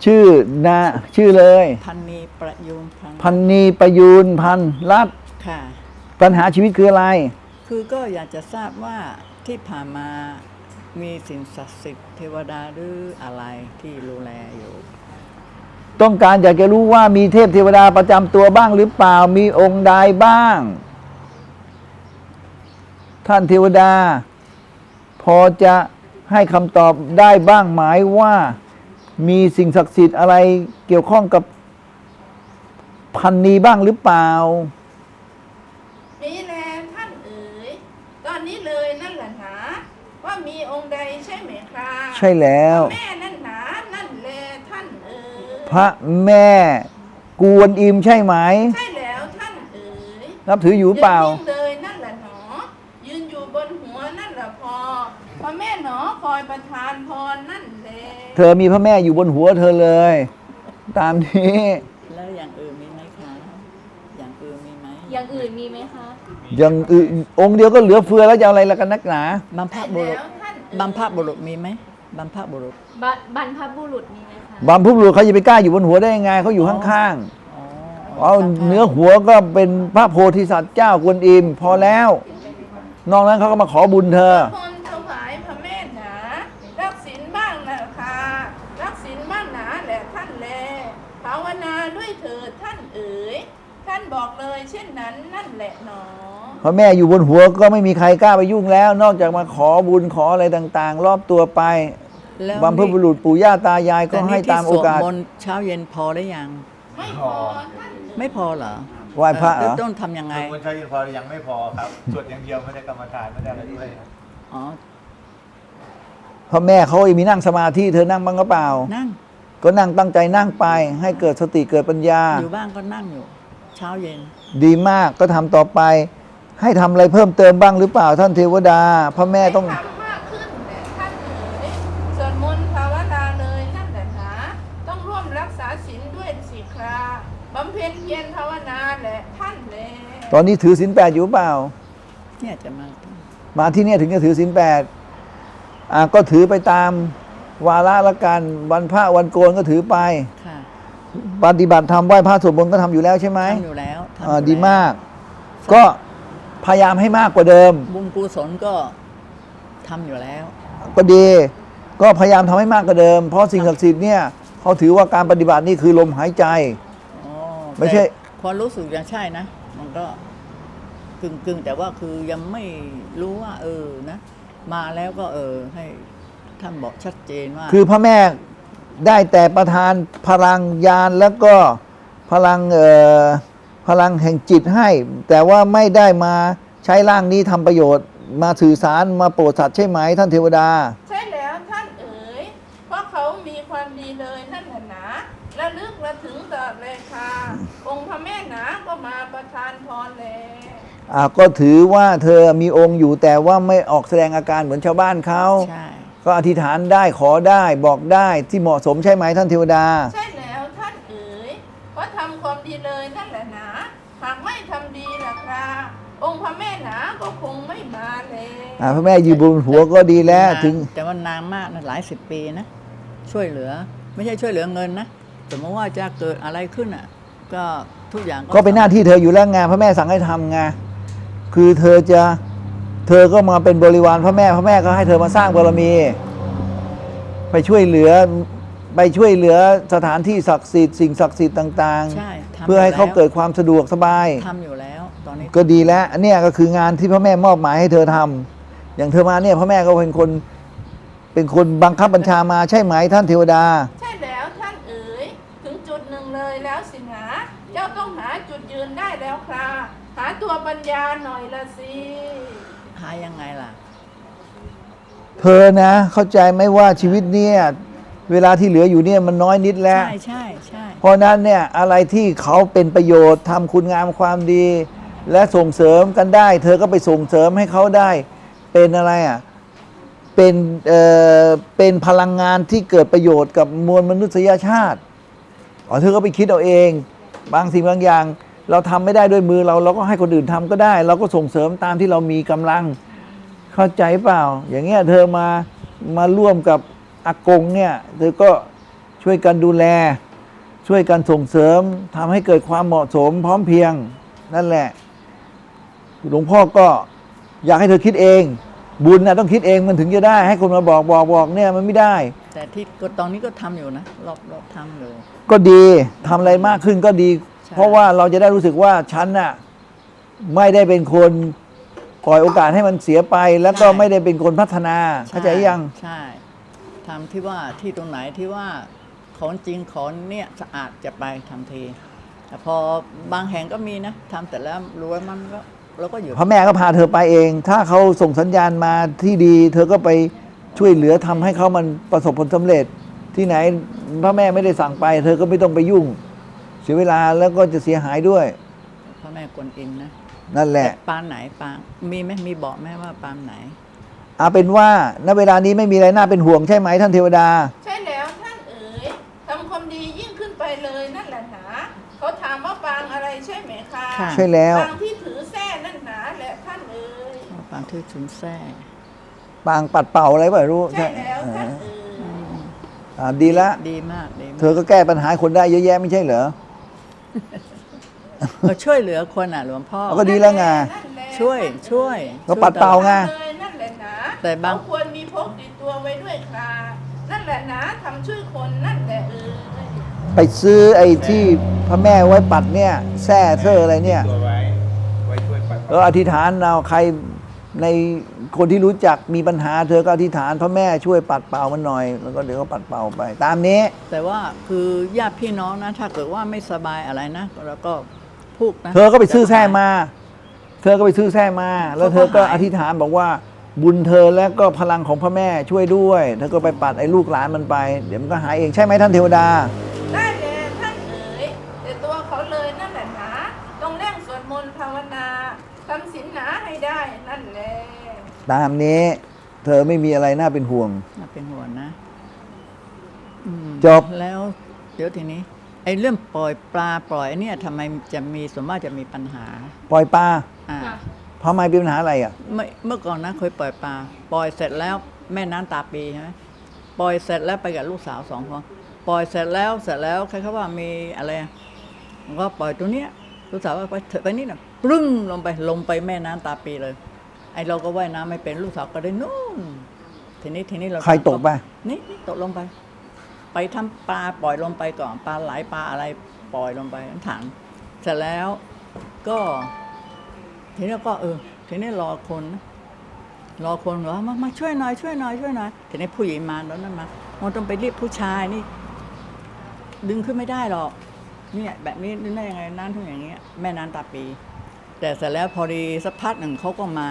ชื่อนะชื่อเลยพันนีประยูนพันพันนีประยูนพันรัตน์ค่ะปัญหาชีวิตคืออะไรคือก็อยากจะทราบว่าที่ผ่านมามีสิ่งศักดิ์สิทธิ์เทวดาหรืออะไรที่ดูแลอยู่ต้องการอยากจะรู้ว่ามีเทพเทวดาประจำตัวบ้างหรือเปล่ามีองค์ใดบ้างท่านเทวดาพอจะให้คำตอบได้บ้างไหมว่ามีสิ่งศักดิ์สิทธิ์อะไรเกี่ยวข้องกับพันนีบ้างหรือเปล่ามีแลท่านเอ๋ยตอนนี้เลยนั่นแหละหนาว่ามีองค์ใดใช่ไหมครับใช่แล้วแม่นั่นหนานั่นแลท่านเอ๋ยพระแม่กวนอิมใช่ไหมใช่แล้วท่านเอ๋ยนับถืออยู่เปล่ายืนนิ่งเลยนั่นแหละหนอยืนอยู่บนหัวนั่นแหละพอพระแม่หนอคอยประทานพรนั่นแลเธอมีพระแม่อยู่บนหัวเธอเลยตามนี้แล้วอย่างอื่นมีไหมคะอย่างอื่นมีไหมอย่างอื่นมีไหมคะอย่างอื่นองค์เดียวก็เหลือเฟือแล้วจะเอาอะไรละกันนักหนาบัมพบุรุษบัมพบุรุษมีไหมบัมพบุรุษบรรพบุรุษมีไหมคะบัมพบุรุษเขาจะไปกล้าอยู่บนหัวได้ยังไงเขาอยู่ข้างๆเอาเนื้อหัวก็เป็นพระโพธิสัตว์เจ้ากวนอิมพอแล้วนอกนั้นเขาก็มาขอบุญเธอคนถวายพระแม่หนารักศีลบ้างนะค่ะรักศีลบ้างหนาแหละท่านแลภาวนาด้วยเถิดท่านเอ๋ยท่านบอกเลยเช่นนั้นนั่นแหละหนอพระแม่อยู่บนหัวก็ไม่มีใครกล้าไปยุ่งแล้วนอกจากมาขอบุญขออะไรต่างๆรอบตัวไปบัมพบุรุษปู่ย่าตายายก็ให้ตามโอกาสสวดมนต์เช้าเย็นพอได้ยังไม่พอท่านไม่พอเหรอไหว้พระเหรอต้องทำยังไงสวดมนต์เช้าเย็นพอยังไม่พอครับสวดอย่างเดียวไม่ได้กรรมฐานไม่ได้อะไรด้วยอ๋อพระแม่เขามีนั่งสมาธิเธอนั่งบ้างก็เปล่านั่งก็นั่งตั้งใจนั่งไปให้เกิดสติเกิดปัญญาอยู่บ้างก็นั่งอยู่เช้าเย็นดีมากก็ทำต่อไปให้ทำอะไรเพิ่มเติมบ้างหรือเปล่าท่านเทวดาพระแม่ต้องทำมากขึ้นแต่ท่านเอ๋ยสวดมนต์ภาวนาเลยนั่นแหละหนาต้องร่วมรักษาศีลด้วยสิคราบำเพ็ญเพียรภาวนาแหละท่านแลตอนนี้ถือศีล 8อยู่เปล่าเนี่ยจะมาที่นี่ถึงจะถือศีล 8ก็ถือไปตามวาระละกันวันพระวันโกนก็ถือไปปฏิบัติธรรมไหว้พระสวดมนต์ก็ทำอยู่แล้วใช่ไหมทำอยู่แล้วดีมากก็พยายามให้มากกว่าเดิมบุญกุศลก็ทำอยู่แล้วก็ดีก็พยายามทำให้มากกว่าเดิมเพราะสิ่งศักดิ์สิทธิ์เนี่ยเขาถือว่าการปฏิบัตินี่คือลมหายใจไม่ใช่พอรู้สึกยังใช่นะมันก็กึ่งแต่ว่าคือยังไม่รู้ว่านะมาแล้วก็ให้ท่านบอกชัดเจนว่าคือพระแม่ได้แต่ประทานพลังญาณแล้วก็พลังแห่งจิตให้แต่ว่าไม่ได้มาใช้ร่างนี้ทำประโยชน์มาสื่อสารมาโปรดสัตว์ใช่ไหมท่านเทวดาใช่แล้วท่านเอ๋ยเพราะเขามีความดีเลยนั่นแหละนะระลึกระถึงตลอดเลยค่ะองค์พระแม่หนาก็มาประทานพรแล้วก็ถือว่าเธอมีองค์อยู่แต่ว่าไม่ออกแสดงอาการเหมือนชาวบ้านเขาใช่ก็อธิษฐานได้ขอได้บอกได้ที่เหมาะสมใช่ไหมท่านเทวดาใช่แล้วท่านเอ๋ยเพราะทำความดีเลยนั่นแหละนะหากไม่ทำดีล่ะครับองค์พระแม่หนาก็คงไม่มาเลยพระแม่อยู่บนหัวก็ดีแล้วถึงแต่ว่านานมากนะหลาย10 ปีนะช่วยเหลือไม่ใช่ช่วยเหลือเงินนะสมมติว่าจะเกิดอะไรขึ้นก็ทุกอย่างก็เป็นหน้าที่เธออยู่แล้วไงพระแม่สั่งให้ทำไงคือเธอก็มาเป็นบริวารพระแม่ก็ให้เธอมาสร้างบารมีไปช่วยเหลือสถานที่ศักดิ์สิทธิ์สิ่งศักดิ์สิทธิ์ต่างๆเพื่อให้เขาเกิดความสะดวกสบายทำอยู่แล้วตอนนี้ก็ดีแล้วอันนี้ก็คืองานที่พระแม่มอบหมายให้เธอทำอย่างเธอมาเนี่ยพระแม่ก็เป็นคนบังคับบัญชามาใช่ไหมท่านเทวดาใช่แล้วท่านเอ๋ยถึงจุดหนึ่งเลยแล้วสินะเจ้าต้องหาจุดยืนได้แล้วครับหาตัวปัญญาหน่อยละสิหายังไงล่ะเธอนะเข้าใจไหมว่าชีวิตเนี่ยเวลาที่เหลืออยู่เนี่ยมันน้อยนิดแล้วใช่เพราะนั้นเนี่ยอะไรที่เขาเป็นประโยชน์ทำคุณงามความดีและส่งเสริมกันได้เธอก็ไปส่งเสริมให้เขาได้เป็นอะไรเป็นพลังงานที่เกิดประโยชน์กับมวลมนุษยชาติเธอก็ไปคิดเอาเองบางสิ่งบางอย่างเราทำไม่ได้ด้วยมือเราก็ให้คนอื่นทำก็ได้เราก็ส่งเสริมตามที่เรามีกำลังเข้าใจเปล่าอย่างเงี้ยเธอมาร่วมกับอากงเนี่ยเธอก็ช่วยกันดูแล ช่วยกันส่งเสริมทำให้เกิดความเหมาะสมพร้อมเพรียง นั่นแหละ หลวงพ่อก็อยากให้เธอคิดเอง บุญนะต้องคิดเองมันถึงจะได้ ให้คนมาบอกเนี่ยมันไม่ได้แต่ที่ก็ตอนนี้ก็ทำอยู่นะรอบทำอยู่ก็ดีทำอะไรมากขึ้นก็ดีใช่เพราะว่าเราจะได้รู้สึกว่าฉันน่ะไม่ได้เป็นคนปล่อยโอกาสให้มันเสียไป แล้วก็ไม่ได้เป็นคนพัฒนาเข้าใจยังใช่ทำที่ว่าที่ตรงไหนที่ว่าของจริงของเนี่ยสะอาดจะไปทำทีแต่พอบางแห่งก็มีนะทำแต่แล้วรู้ว่ามันก็เราก็อยู่พระแม่ก็พาเธอไปเอง ถ้าเขาส่งสัญญาณมาที่ดี เธอก็ไปช่วยเหลือทำให้เขามันประสบผลสำเร็จ ที่ไหนพระแม่ไม่ได้สั่งไป เธอก็ไม่ต้องไปยุ่ง เสียเวลาแล้วก็จะเสียหายด้วยพระแม่กวนอิมนะนั่นแหละปางไหนปางมีไหมมีบอกไหมว่าปางไหนเอาเป็นว่าณเวลานี้ไม่มีอะไรน่าเป็นห่วงใช่ไหมท่านเทวดาใช่แล้วท่านเอ๋ยทำความดียิ่งขึ้นไปเลยนั่นแหละหนาเขาถามว่าปางอะไรใช่ไหมคะค่ะใช่แล้วปางที่ถือแส้นั่นหนาแหละท่านเอ๋ยปางที่ชุนแท้ปางปัดเป่าอะไรไม่รู้ใช่แล้วท่านเอ๋ยดีละดีมากดีมากเธอก็แก้ปัญหาคนได้เยอะแยะไม่ใช่เหรอก็ช่วยเหลือคนอ่ะหลวงพ่อเอาก็ดีแล้วไงนั่นแหละช่วยก็ปัดเป่าไงเลยนั่นแหละหนาแต่บางเขควรมีพกติดตัวไว้ด้วยค่ะนั่นแหละหนาทำช่วยคนนั่นแหละเอ๋ยไปซื้อไอ้ที่พระแม่ไว้ปัดเนี่ยแซ่เธออะไรเนี่ยตัวไว้ช่วยปัดอธิษฐานเอาใครในคนที่รู้จักมีปัญหา เธอก็อธิษฐานพระแม่ช่วยปัดเป่ามันหน่อย แล้วก็เดี๋ยวก็ปัดเป่าไป ตามนี้แต่ว่าคือญาติพี่น้องนะ ถ้าเกิดว่าไม่สบายอะไรนะแล้วก็พูดนะเธอก็ไปซื้อแส้มา เธอก็ไปซื้อแส้มา แล้วเธอก็อธิษฐานบอกว่า บุญเธอและก็พลังของพระแม่ช่วยด้วย เธอก็ไปปัดไอ้ลูกหลานมันไป เดี๋ยวมันก็หายเองใช่ไหมท่านเทวดาได้เลยท่านเอ๋ยแต่ตัวเขาเลยนั่นแหละหนาต้องเร่งสวดมนต์ภาวนาทำศีลหนาให้ได้นั่นแหละตามนี้ เธอไม่มีอะไรน่าเป็นห่วงน่าเป็นห่วงนะอืมจบแล้วเดี๋ยวทีนี้ ไอ้เรื่องปล่อยปลาปล่อยเนี่ยทำไมจะมีส่วนมากจะมีปัญหาปล่อยปลาอ่าค่ะทำไมเป็นปัญหาอะไรอ่ะเมื่อก่อนนะเคยปล่อยปลาปล่อยเสร็จแล้วแม่น้ำตาปีใช่ไหมปล่อยเสร็จแล้วไปกับลูกสาว2 คนปล่อยเสร็จแล้วใครเขาว่ามีอะไรอะก็ปล่อยตัวเนี้ยลูกสาวว่าไปเถอะไปนี่นะปรึ้งลงไปแม่น้ำตาปีเลย ไอเราก็ว่ายน้ำไม่เป็นลูกสาวก็ได้นู่นทีนี้เราใครตกไปนี่ตกลงไป ไปทำปลาปล่อยลงไปก่อนปลาไหลปลาอะไรปล่อยลงไปถังเสร็จแล้วก็ทีนี้ก็ทีนี้รอคนว่ามาช่วยหน่อยทีนี้ผู้หญิงมาแล้วนั่นมามันต้องไปเรียกผู้ชายนี่ ดึงขึ้นไม่ได้หรอกเนี่ยแบบนี้ดึงได้ยังไงน้ำทุ่งอย่างเงี้ยแม่น้ำตาปี แต่เสร็จแล้วพอดีสักพักหนึ่งเขาก็มา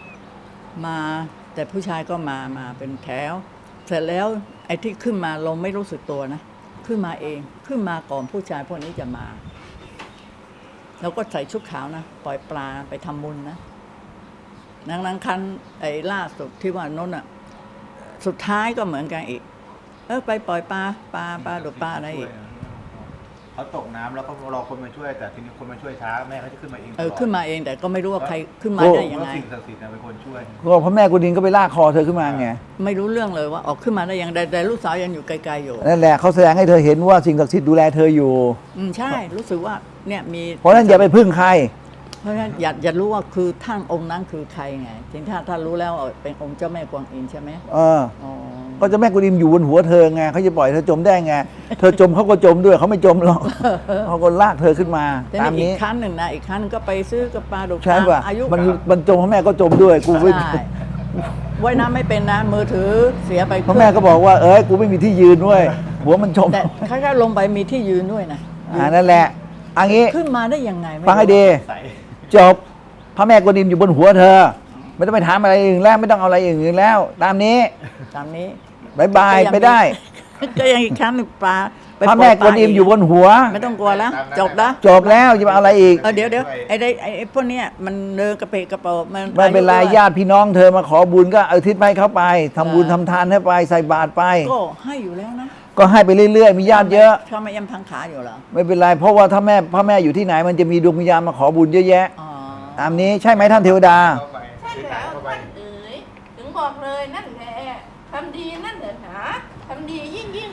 แต่ผู้ชายก็มาเป็นแถว เสร็จแล้วไอ้ที่ขึ้นมาเราไม่รู้สึกตัวนะขึ้นมาเองขึ้นมาก่อนผู้ชายพวกนี้จะมาเราก็ใส่ชุดขาวนะปล่อยปลาไปทำบุญนะนังคันไอ้ล่าสุดที่ว่าโน้นอ่ะสุดท้ายก็เหมือนกันอีกไปปล่อยปลาหรือปลาอะไรอีกเขาตกน้ำแล้วก็รอคนมาช่วย แต่ทีนี้คนมาช่วยช้าแม่เขาจะขึ้นมาเองตลอดขึ้นมาเองแต่ก็ไม่รู้ว่าใครขึ้นมาโอ้ได้เพยังราะไงสิ่งศักดิ์สิทธิ์เป็นคนช่วยก็พระแม่กุดินก็ไปลากคอเธอขึ้นมาไงไม่รู้เรื่องเลยว่าออกขึ้นมาได้ยังไงแต่ลูกสาวยังอยู่ไกลๆอยู่นั่นแหละเขาแสดงให้เธอเห็นว่าสิ่งศักดิ์สิทธิ์ดูแลเธออยู่ใช่รู้สึกว่าเนี่ยมีเพราะฉะนั้นอย่าไปพึ่งใครเพราะฉะนั้นอย่ารู้ว่าคือท่านองค์นั้นคือใครไงทีนี้ถ้ารู้แล้วเป็นองค์เจ้าแม่กวางอินใช่ไหมเอออ๋อก็เจะแม่กุดิมอยู่บนหัวเธอไงเขาจะปล่อยเธอจมได้ไง เธอจมเขาก็จมด้วยเขาไม่จมหรอก เขาก็ลากเธอขึ้นมาแต่ตามนี่อีนี้กครั้งหนึ่งนะอีกครั้งหนึ่งก็ไปซื้อกับปลาดุกใช่ป่ะอายุมันจมพระแม่ก็จมด้วยกูไม่ใช่ว่ายน้ำไม่เป็นนะมือถือเสียไปพระแม่ก็บอกว่ากูไม่มีที่ยืนด้วยหัวมันจมแต่ค่อยๆลงไปมีที่ยืนด้วยนะนั่นแหละอันนี้ขึ้นมาได้ยังไงไม่รู้ฟังให้ดีใส่จบพระแม่กุดิมอยู่บนหัวเธอ ไม่ต้องไปถามอะไรอื่นแล้วไม่ต้องเอาอะไรอื่นแล้ว ตามนี้ตามนี้บายบายไปได้ก็ยังอีกครั้งหนึ่งปลาไปพระแม่กุดิมอยู่บนหัวไม่ต้องกลัวแล้วจบแล้วจบแล้วจะมาเอาอะไรอีกเดี๋ยวไอ้พวกเนี้ยมันเดินกระเปะกระเป๋ามันไม่เป็นไรอายุญาติพี่น้องเธอมาขอบุญก็เอาทิศไปเขาไปทำบุญทำทานให้ไปใส่บาตรไปก็ให้อยู่แล้วนะก็ให้ไปเรื่อยๆ มีญาติเยอะถ้าไม่ยังพังขาอยู่เหรอไม่เป็นไร เพราะว่าถ้าพระแม่อยู่ที่ไหนมันจะมีดวงวิญญาณมาขอบุญเยอะแยะอ๋อตามนี้ใช่ไหมท่านเทวดาเข้าไปใช่แล้วท่านเอ๋ยถึงบอกเลยนั่นแหละทำดีนั่นแหละหนาทำดียิ่งขึ้นไป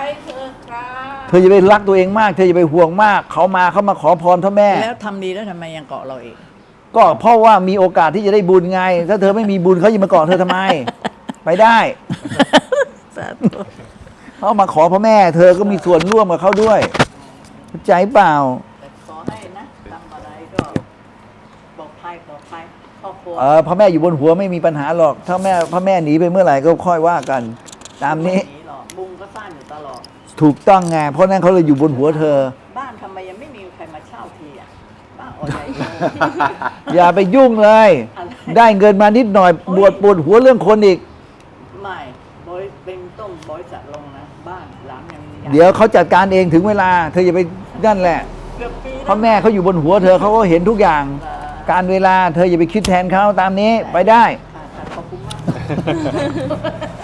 เถิดค่ะเธออย่าไปรักตัวเองมาก เธออย่าไปห่วงมาก เขามาขอพรพ่อแม่แล้วทำดีแล้วทำไมยังเกาะเราอีกก็เพราะว่ามีโอกาสที่จะได้บุญไง ถ้าเธอไม่มีบุญเขาจะมาเกาะเธอทำไม ไปได้สาธุเขามาขอพ่อแม่ เธอก็มีส่วนร่วมกับเขาด้วยเข้าใจเปล่าแต่ขอให้นะทำอะไรก็ปลอดภัยครอบครัวพ่อแม่อยู่บนหัวไม่มีปัญหาหรอก ถ้าพ่อแม่หนีไปเมื่อไหร่ก็ค่อยว่ากัน ตามนี้ไหหรอกบุงก็สร้างอยู่ตลอดถูกต้องไง เพราะนั้นเขาเลยอยู่บนหัวเธอบ้านทำไมยังไม่มีใครมาเช่าทีอ่ะบ้านออใหญ่โตอย่าไปยุ่งเลยอะไรได้เงินมานิดหน่อยปวดหัวเรื่องคนอีกไม่เป็นต้มบริษัทลงนะ บ้านหลังยังมีเดี๋ยวเขาจัดการเองถึงเวลา เธออย่าไปนั่นแหละเกือบปีแล้วพ่อแม่เขาอยู่บนหัวเธอเขาก็เห็นทุกอย่าง การเวลาเธออย่าไปคิดแทนเขาตามนี้ไปได้ค่ะขอบคุณมาก